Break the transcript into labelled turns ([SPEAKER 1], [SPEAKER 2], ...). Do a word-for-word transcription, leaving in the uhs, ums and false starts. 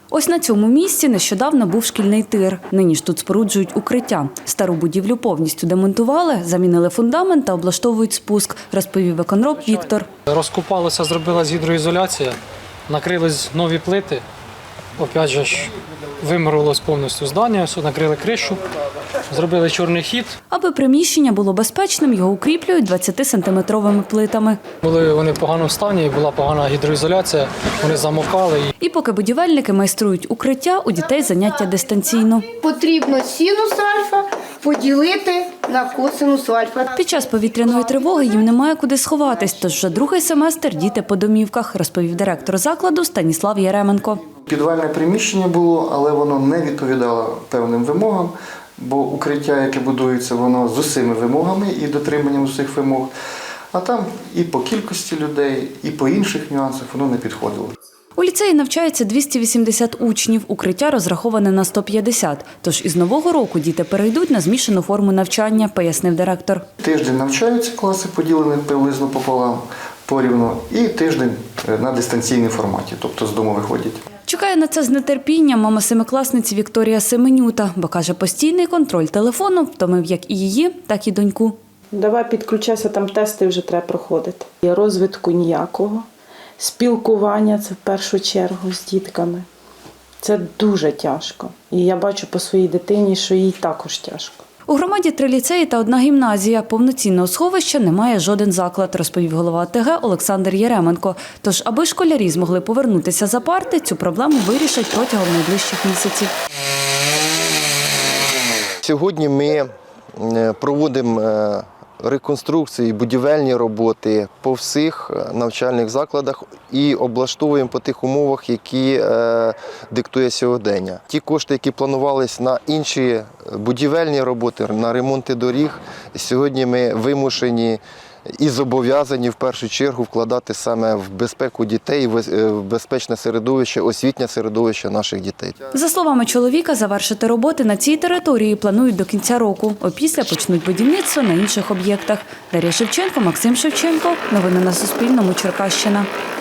[SPEAKER 1] Ось на цьому місці нещодавно був шкільний тир. Нині ж тут споруджують укриття. Стару будівлю повністю демонтували, замінили фундамент та облаштовують спуск, розповів виконроб Віктор.
[SPEAKER 2] Розкопалося, зробилась гідроізоляція, накрились нові плити. Опять же ж, вимурувалось повністю здання, все, накрили кришу, зробили чорний хід.
[SPEAKER 1] Аби приміщення було безпечним, його укріплюють двадцятисантиметровими плитами.
[SPEAKER 2] Були вони в поганому стані, була погана гідроізоляція, вони замокали.
[SPEAKER 1] І поки будівельники майструють укриття, у дітей заняття дистанційно.
[SPEAKER 3] Потрібно синус альфа поділити на косинус альфа.
[SPEAKER 1] Під час повітряної тривоги їм немає куди сховатись, тож вже другий семестр діти по домівках, розповів директор закладу Станіслав Яременко.
[SPEAKER 4] Підвальне приміщення було, але воно не відповідало певним вимогам, бо укриття, яке будується, воно з усіма вимогами і дотриманням усіх вимог. А там і по кількості людей, і по інших нюансах воно не підходило.
[SPEAKER 1] У ліцеї навчається двісті вісімдесят учнів, укриття розраховане на сто п'ятдесят. Тож із нового року діти перейдуть на змішану форму навчання, пояснив директор.
[SPEAKER 4] Тиждень навчаються, класи поділені приблизно пополам, порівну, і тиждень на дистанційній форматі, тобто з дому виходять.
[SPEAKER 1] Чекає на це з нетерпінням мама семикласниці Вікторія Семенюта, бо каже, постійний контроль телефону втомив як і її, так і доньку.
[SPEAKER 5] Давай підключайся, там тести вже треба проходити. І розвитку ніякого, спілкування – це в першу чергу з дітками. Це дуже тяжко. І я бачу по своїй дитині, що їй також тяжко.
[SPEAKER 1] У громаді три ліцеї та одна гімназія. Повноцінного сховища немає жоден заклад, розповів голова ОТГ Олександр Яременко. Тож, аби школярі змогли повернутися за парти, цю проблему вирішать протягом найближчих місяців.
[SPEAKER 6] Сьогодні ми проводимо реконструкції, будівельні роботи по всіх навчальних закладах і облаштовуємо по тих умовах, які е, диктує сьогодення. Ті кошти, які планувалися на інші будівельні роботи, на ремонти доріг, сьогодні ми вимушені і зобов'язані в першу чергу вкладати саме в безпеку дітей, в безпечне середовище, освітнє середовище наших дітей.
[SPEAKER 1] За словами чоловіка, завершити роботи на цій території планують до кінця року. Опісля почнуть будівництво на інших об'єктах. Дар'я Шевченко, Максим Шевченко. Новини на Суспільному. Черкащина.